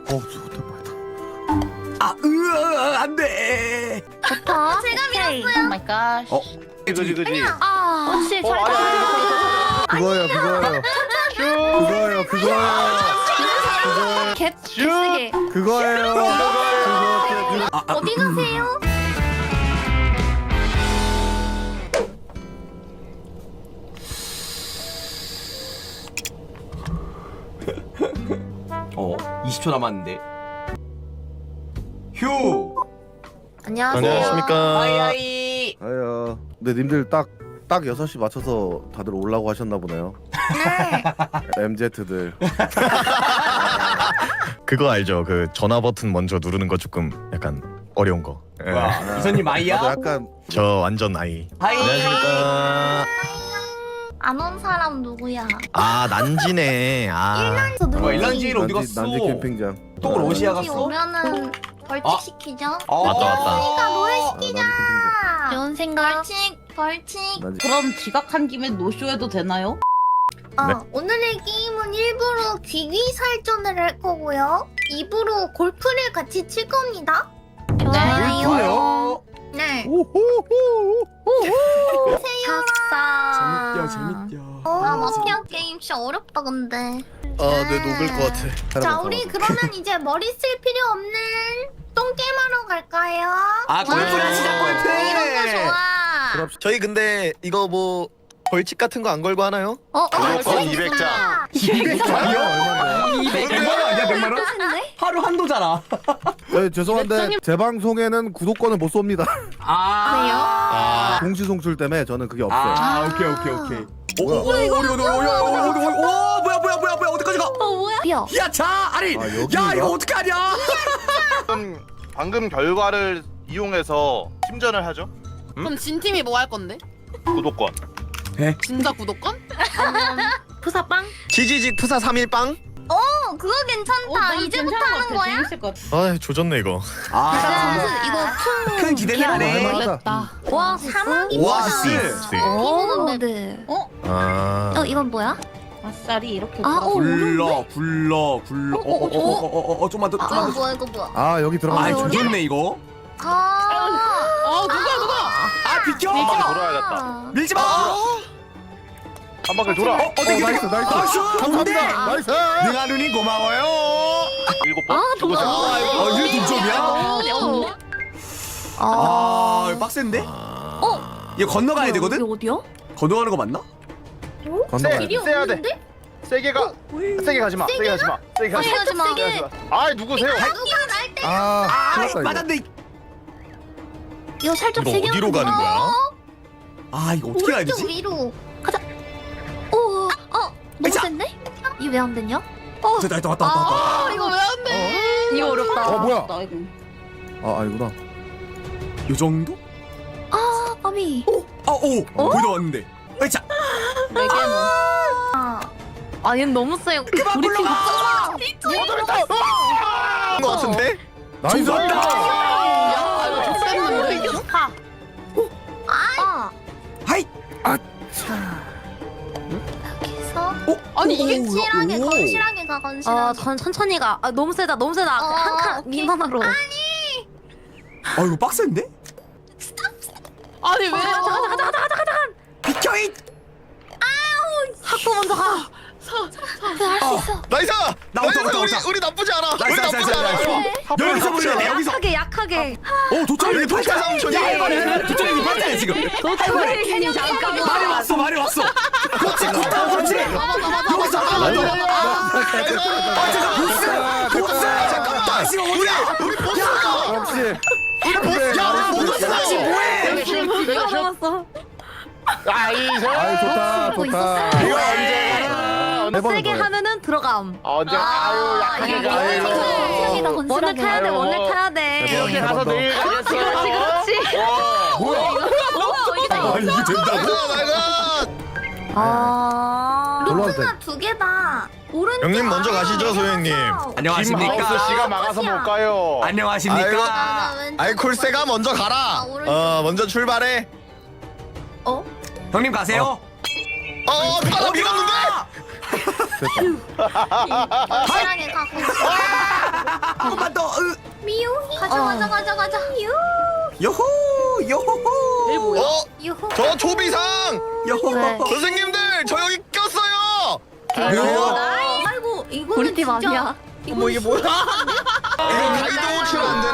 죽었다 뻔했다. 안돼. 좋다. 제가 오케이. 밀었어요. 오 마이 갓. 그지. 혹시 설탕. 그거예요. 개쓰게. 그거예요. 어디 가세요? 어 20초 남았는데. 휴. 안녕하세요. 안녕하십니까. 아이아이. 아야. 근데 님들 딱 6시 맞춰서 다들 오려고 하셨나 보네요. MZ들. 그거 알죠? 그 전화 버튼 먼저 누르는 거 조금 약간 어려운 거. 예. 뭐야? 이선님 아이야? 나도 약간 저 완전 아이. 하이. 안녕하십니까. 안 온 사람 누구야? 아 난지네. 아. 저 누구지? 뭐야 일란지일 어디 갔어? 난지 캠핑장. 또 러시아 여기 갔어? 오면은 벌칙 시키죠? 맞다, 맞다. 그러니까 노래 난지 캠핑장. 좋은 생각. 벌칙. 난지. 그럼 지각한 김에 노쇼해도 되나요? 네. 오늘의 게임은 일부러 귀귀살전을 할 거고요. 입으로 골프를 같이 칠 겁니다. 좋아요. 네. 오호호. 작사. 재밌죠. 마피아 게임 진짜 어렵다 근데. 네 녹을 것 같아. 자 우리 그러면 이제 머리 쓸 필요 없는 똥게임하러 갈까요? 아 골프를 치자 골프. 이런 거 좋아. 저희 근데 이거 뭐 벌칙 같은 거 안 걸고 하나요? 무조건 200장. 200장이요? 얼마인데? 100만 원 아니야 100만 원? 하루 한도잖아. 네, 죄송한데 제 방송에는 구독권을 못 쏩니다. 아. 공시 송출 때문에 저는 그게 없어요. 아 오케이. 뭐야? 뭐야 어디까지 가? 뭐야? 야 자 아니 아, 여기인가? 야 이거 어떻게 하냐? 방금 결과를 이용해서 팀전을 하죠. 그럼 진 팀이 뭐 할 건데? 구독권. 진짜 구독권? 푸사빵? 지지직 푸사 3일빵? 그거 괜찮다. 이제부터 하는 거야? 재밌을 것 같아. 아 조졌네 이거. 아 이거 큰 기대는 안 해. 할만하다. 와 사막이 오아시스. 피부는데. 아. 이건 뭐야? 아싸리 이렇게. 아, 들어가. 불러. 좀만 더. 뭐야 이거 뭐야? 아 여기 아 들어가. 조졌네 이거. 누가? 아 비켜. 한 바퀴 돌아야겠다. 밀지 마. 한 바퀴 돌아. 어떻게 나이스. 감사합니다. 나이스. 능아 누님 고마워요. 7번. 이거 동점이야? 아 이거 빡센데? 이거 건너가야 되거든? 어디야? 건너가는 거 맞나? 건너가야 길이 돼. 세야 돼. 없는데? 세게 가. 세게 가지 마. 세게 가지 마. 세게 가지 마. 가지 마. 세게 가지 마. 아 누구세요? 누가 날 때? 아, 큰일 났다, 이거. 맞았네. 이거 살짝 이거 세게 어디로 가는 거야? 아 이거 어떻게 가야 오른쪽 되지? 위로. 가자. 너무 아이차. 센데? 이거 왜 안 됐냐? 됐다 왔다. 이거 왜 안 돼? 이거 어렵다. 뭐야? 어렵다, 이거. 아 아니구나. 요 정도? 아미. 거의 다 왔는데. 아이차. 네 개는. 아 얘는 너무 세요. 그만 불러가. 거 같은데? 나이스. 좋았다. 이거 좋겠는데? 하이. 여기서 아니 이게 건실하게 오. 건실하게 가 건실하게. 천천히 가. 너무 세다. 한 칸 오케이. 미만으로. 아 이거 빡센데? 아니 왜? 비켜 이. 학도 먼저 가. 할수 있어. 나이스! 나 나이스! 왔다. 우리 나쁘지 않아. 나이스, 우리 나이스, 나쁘지 않아. 나이스. 여기서 불러야 돼 여기서. 약하게. 도착이 도착 삼촌이. 야 이번에 도착이 봤잖아 지금. 도착이 잠깐만. 말이 왔어. 그렇지 굿다 그렇지. 여기서 하나 더. 보스. 잠깐만. 다시 오자. 우리 보스가. 역시. 우리 보스가. 보스 다시 뭐해? 내가 남았어. 나이스. 아이 좋다. 이거 언제? 세게 하면은 들어감. 언제? 아유 약하게 가. 건실하게 원을 타야 돼. 아유. 원을 타야 돼. 이렇게 가서 내일 가겠어. 뭐야? 아 이게 된다고? 올라와도 돼. 루트가 두 개다. 오른쪽. 형님 먼저 가시죠, 소영님. 안녕하십니까? 김하우스 씨가 막아서 못 가요. 안녕하십니까? 아이콜세가 먼저 가라. 먼저 출발해. 형님 가세요. 나 밀었는데? 건실하게 가. 건실하게. 조금만 더. 미용이. 가자. 요호 요호. 얘 뭐야? 유후. 저 조비상 요호. 네. 선생님들 저 여기 꼈어요. 아이고 이거는 우리 팀 진짜. 아니야. 어머 이게 뭐야? 이거 가이드 치면 안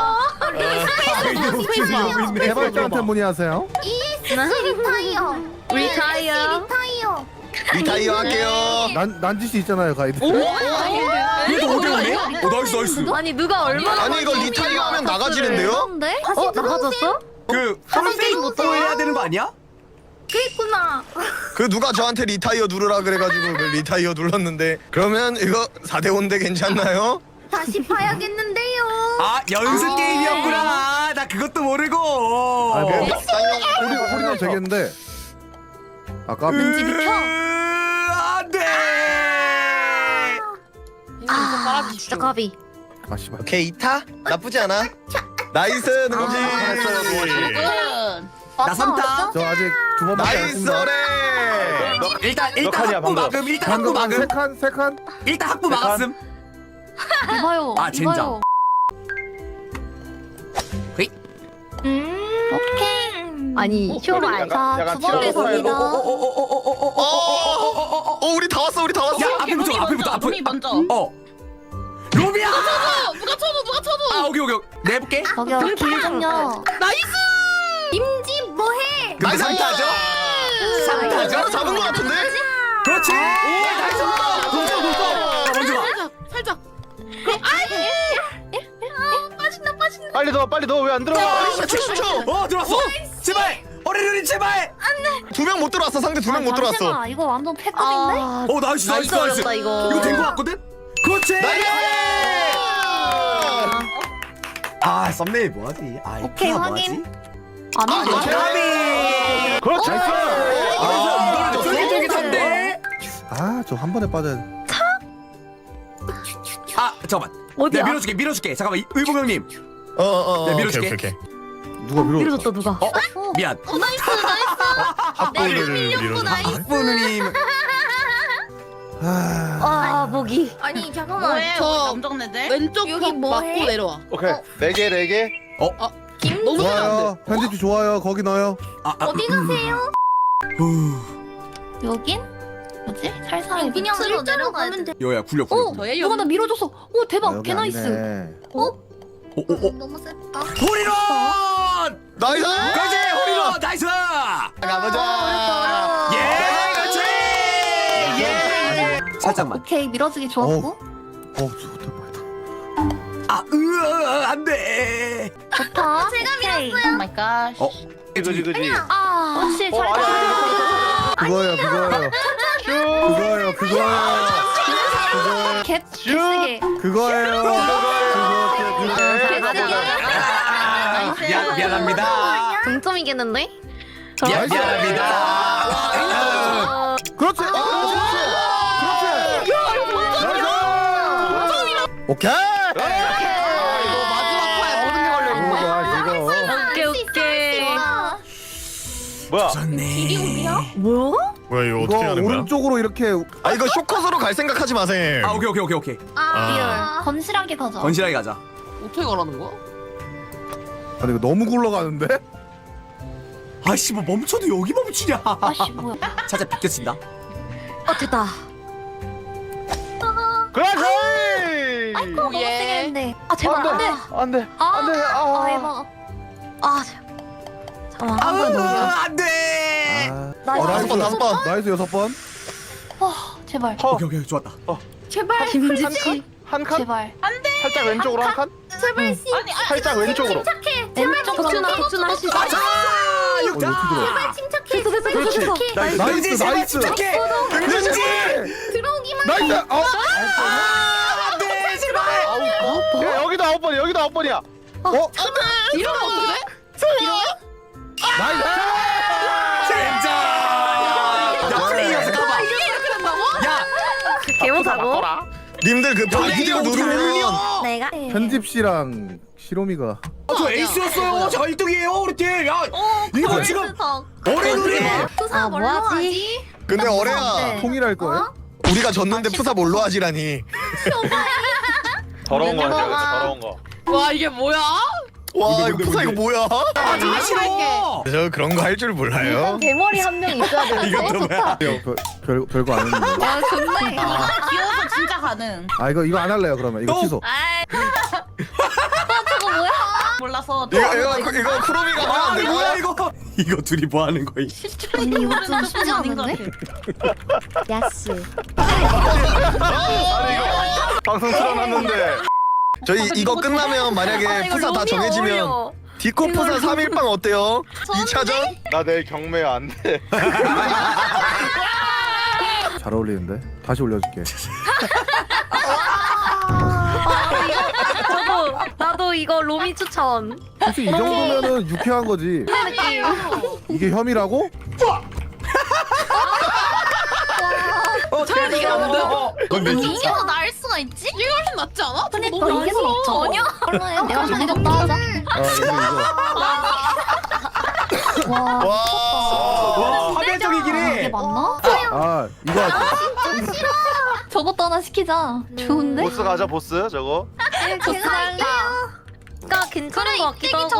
되나? 해발자한테 문의하세요. 리타이어. 리타이어. 리타이어. 리타이어 할게요. 난지시 있잖아요 가이드. 얘도 어디 갔네? 나이스 나이스. 아니 누가 얼마나 아니 이거 리타이어 하면 나가지는데요? 그런데? 나가졌어? 그 풀페이스 해야 되는 거 아니야? 그랬구나. 그 누가 저한테 리타이어 누르라 그래가지고 그 리타이어 눌렀는데 그러면 이거 4대 5인데 괜찮나요? 다시 봐야겠는데요. 아 연습 게임이었구나. 나 그것도 모르고. 아, 뭐. 쌍용 우리는 되겠는데. 아까 왠지 비켜. 안돼. 아 진짜 까비. 아 씨발. 오케이 2타? 나쁘지 않아. 나이스 능지. 나 3타. 저 아직 두 번밖에 안 나이스 했습니다. 어레. 일단 칸이야, 학부 방금. 막음. 일단 학부 방금 막음. 세 칸. 일단 학부 막았음. 이봐요. 아, 진짜. 이봐요. 오케이. 아니 쇼발. 약간 두 번째 치라고 선이다. 우리 다 왔어 우리 다 왔어. 야 앞에부터 앞에부터 롬이 먼저. 로비야. 누가 쳐도. 아 오케이. 내 해볼게. 저기요 길 좀요. 나이스. 임지 뭐해? 근데 3타죠? 3타죠? 잡은 거 같은데? 그렇지. 오 나이스. 먼저 먼저 가. 살짝. 빨리 넣어 왜 안 들어가? 10초. 들어왔어. 제발. 어레르리 제발. 2명 못 들어왔어. 상대 2명 못 들어왔어. 잠시만, 이거 완전 패급인데? 나이스 나이스 나이스. 어렵다 이거. 이거 된 거 같거든? 그렇지. 아 썸네일 뭐하지? 아 오케이, 이거 확인. 뭐하지? 안 돼. 까비. 그렇지. 이거는 쫄깃쫄깃한데. 아 저 한 번에 빠져야 돼. 아 잠깐만. 어디야? 내가 밀어줄게. 잠깐만 의봉 형님. 네, 밀어줄게. 오케이. 누가 밀어? 밀어줬다 누가. 미안. 학부를 밀어줘. 학부 누님. 아 목이. 아니 잠깐만. 뭐해? 저 남정네들. 왼쪽 여기 벽 뭐해? 맞고 내려와. 오케이 4개. 너무 세면 안 좋아요. 편집지 좋아요. 거기 넣어요. 어디 가세요? 여긴? 뭐지? 살살 그냥 밑으로 일자로 내려가야 가면 돼. 돼. 여야 굴려. 오! 저예요. 누가 나 밀어줬어. 오 아, 대박. 여기 개나이스. 아니네. 너무 셌다. 호리론. 나이스. 가지 호리론. 나이스. 가보자. 예. 그렇지. 예. 살짝만. 오케이 밀어주기 좋았고. 좋다 뻔했다. 안돼. 좋다. 제가 밀었어요. 오 마이 갓. 그지. 아 혹시 잘 그거예요. 개쓰게. 그거예요. 미안합니다. 동점이겠는데? 미안합니다. 그렇지. 오케이. 오케이. 뭐야? 좋네. 뭐야? 뭐야 이거 어떻게 이거 하는 거야? 오른쪽으로 이렇게 이거 쇼컷으로 갈 생각하지 마세요. 오케이. 리얼. 건실하게 가자. 건실하게 가자. 어떻게 가라는 거야? 아니 이거 너무 굴러가는데? 아씨 뭐 멈춰도 여기 멈추냐? 아씨 뭐야? 살짝 비껴친다. 됐다. 그렇지. 아이고 너무 예. 세게 했는데. 제발 안 돼. 안돼. 해봐. 잠깐만 한 번 더. 안돼. 나이스. 다섯 번. 나이스 6번. 제발. 오케이 좋았다. 제발. 김지치. 한 칸? 제발. 살짝 왼쪽으로 한 칸? 제발 씨. 살짝 왼쪽으로. 침착해. 왼쪽 덕준아 할수 있어. 어떻게 들어? 침착해. 됐어. 나이스. 침착해. 은지. 들어오기만. 나이스. 안돼 제발. 야, 여기도 9번이야. 이러면 어떡해? 나이스. 진짜. 야 플레이어서 가봐. 야 개못하고. 님들 그 바이디오 누르면 내가. 편집 씨랑 시로미가 저 에이스였어요. 저 1등이에요 우리 팀. 야 이거 지금 어레 누리. 투사 뭘로 뭐하지? 하지? 근데 어레야 통일할 거예요? 우리가 졌는데 푸사 뭘로 하지라니. 더러운 거 하세요. 더러운 거. 와 이게 뭐야? 와 이거 푸사 이거 뭐야? 아 나 싫어. 저 그런 거 할 줄 몰라요. 대머리 한 명 있어야 되는데. 이것도 뭐야? 별거 안 했는데. 와 좋네. 귀여워서 진짜 가능. 아 이거 안 할래요 그러면 이거 취소. 저거 뭐야? 몰라서. 이거 쿠로미가 아 말안 뭐야 되고. 이거 둘이 뭐 하는 거임? 언니 이거 좀 쉽지 않은데? 야스. 방송 틀어놨는데. 저희 이거 끝나면 만약에 푸사 다 정해지면 디코 푸사 3일빵 어때요? 2차전? 나 내일 경매 안 돼. 잘 어울리는데. 다시 올려줄게. 나도 이거 로미 추천. 솔직히 이 정도면은 유쾌한 거지. 이게 혐의라고? 차라리 이게 안 돼? 이게 더 나을 수가 있지? 이게 훨씬 낫지 않아? 근데 너무 또 이게 더 낫어. 전혀? 내가 좀 해줬다 하자. 이거. 와. 와 파멸적이긴 이게 해. 맞나? 아 이거 저것도 하나 시키자. 좋은데? 보스 가자 보스 저거. 제가 할게요. 그러니까 괜찮은 것 같기도 하고.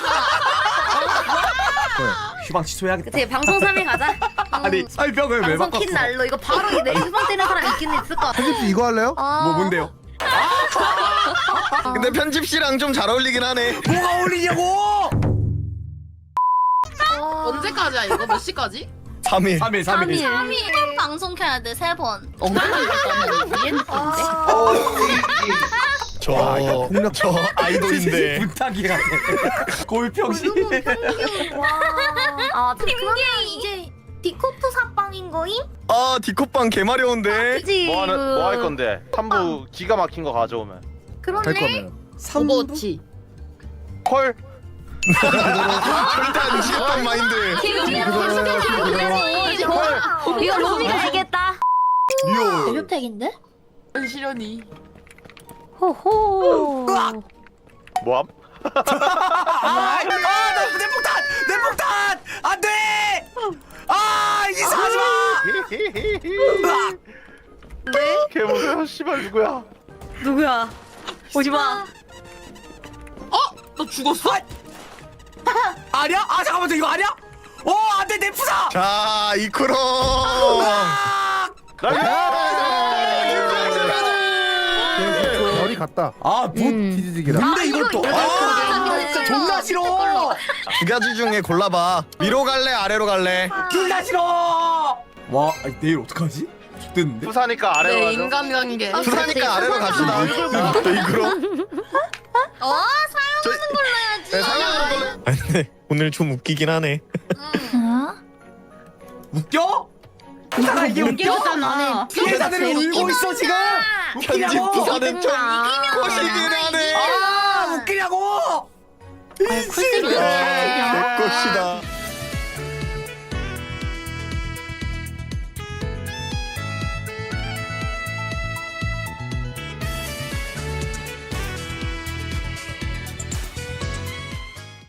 휴방 취소해야겠다. 그치 방송 3일 가자. 아니 설명을 왜 방송 바꿨어? 킨 날로 이거 바로 내 휴방 때는 사람 있긴 있을 것 같아. 편집지 이거 할래요? 뭐 뭔데요? 근데 편집씨랑 좀 잘 어울리긴 하네. 뭐가 어울리냐고? 언제까지야 이거? 몇 시까지? 3일. 3일. 3일 방송 켜야 돼 3번. 저 아이돌인데. 부탁이야. 골평시. 아 그러면 이제 디코프 사빵인 거임? 아 디코빵 개마려운데. 그치. 뭐 할 건데? 3부 기가 막힌 거 가져오면. 할 그러네. 거면. 오버워치. 콜. 절대 안 지겠단 마인드. 이거 로미가 알겠다. 리오. 대표팩인데? 시련이. 호호. 뭐함? 아내 폭탄! 내 폭탄! 안 돼! 아 이상하지 마! 걔 보세요. 씨발 누구야? 누구야? 오지 마. 너 죽었어? 아니야? 아 잠깐만 이거 아니야? 안돼 내 부사! 자 이쿠로. 별이 같다. 뭐 티지직이라. 근데 이걸 또 진짜 존나 싫어! 두 가지 중에 골라봐. 위로 갈래 아래로 갈래? 존나 싫어! 와 내일 어떡하지? 죽겠는데? 부사니까 아래로 내 가죠. 인간관계. 부사니까 아래로 갑시다. 또 이쿠로. 사용하는 걸로 해야지. 네, 사용하는 걸로. 아니 근데 오늘 좀 웃기긴 하네. 웃겨? 부사가 이게 웃겨? 웃겼잖아. 피해자들이 울고 있어 지금! 편집 웃기냐고! 부사는 좀 꼬시긴 하네. 웃기냐고! 쿨색이